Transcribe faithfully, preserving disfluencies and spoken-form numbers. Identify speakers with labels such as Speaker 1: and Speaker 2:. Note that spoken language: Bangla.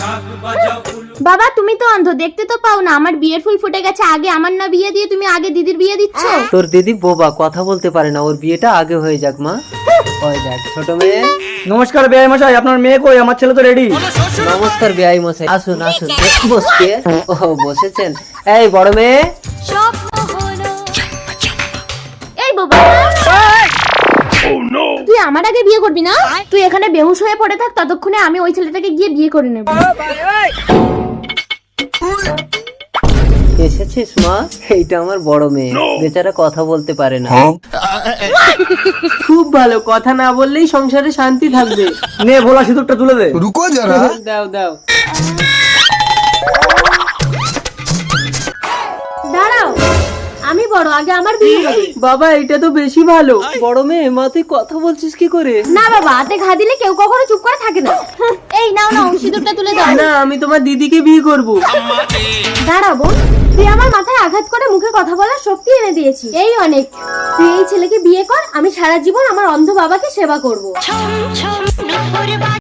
Speaker 1: বাবা তুমি তো অন্ধ, দেখতে তো পাও না আমার বিয়ের ফুল ফুটে গেছে। আগে আমার না বিয়ে দিয়ে তুমি আগে দিদির বিয়ে দিচ্ছ।
Speaker 2: তোর দিদি বোবা, কথা বলতে পারে না, ওর বিয়েটা আগে হয়ে যাক মা। ওই দেখ ছোট মেয়ে।
Speaker 3: নমস্কার বেয়াই মশাই, আপনার মেয়ে কই? আমার ছেলে তো রেডি।
Speaker 2: নমস্কার বেয়াই মশাই, আসুন আসুন। বসকে ও বসেছেন। এই বড় মেয়ে,
Speaker 1: এই বাবা তুই আমার আগে বিয়ে করবি না? তুই এখানে বেহুশ হয়ে পড়ে থাক, ততক্ষণে আমি ওই ছেলেটাকে গিয়ে বিয়ে করে নেব।
Speaker 2: এসেছিস মা? এইটা আমার বড় মেয়ে, বেচারা কথা বলতে পারে না। খুব ভালো, কথা না বললেই সংসারে শান্তি থাকবে।
Speaker 3: নে ভোলা সিঁদুরটা তুলে দে।
Speaker 4: रुको जरा।
Speaker 2: দাও দাও।
Speaker 1: দাঁড়াও, আমি বড়, আগে আমার বিয়ে হবে।
Speaker 2: বাবা এটা তো বেশি ভালো। বড় মেয়ে, মা তুই কথা বলছিস কি করে?
Speaker 1: না বাবা, হাতে ঘা দিলে কেউ কখনো চুপ করে থাকে না। এই নাও নাও, সিঁদুরটা তুলে দাও।
Speaker 2: না, আমি তোমার দিদিকে বিয়ে করব।
Speaker 1: দাঁড়া বোন, তুই আমার মাথায় আঘাত করে মুখে কথা বলার শক্তি এনে দিয়েছিস, এই অনেক। তুই এই ছেলেকে বিয়ে কর, আমি সারা জীবন আমার অন্ধ বাবাকে সেবা করব।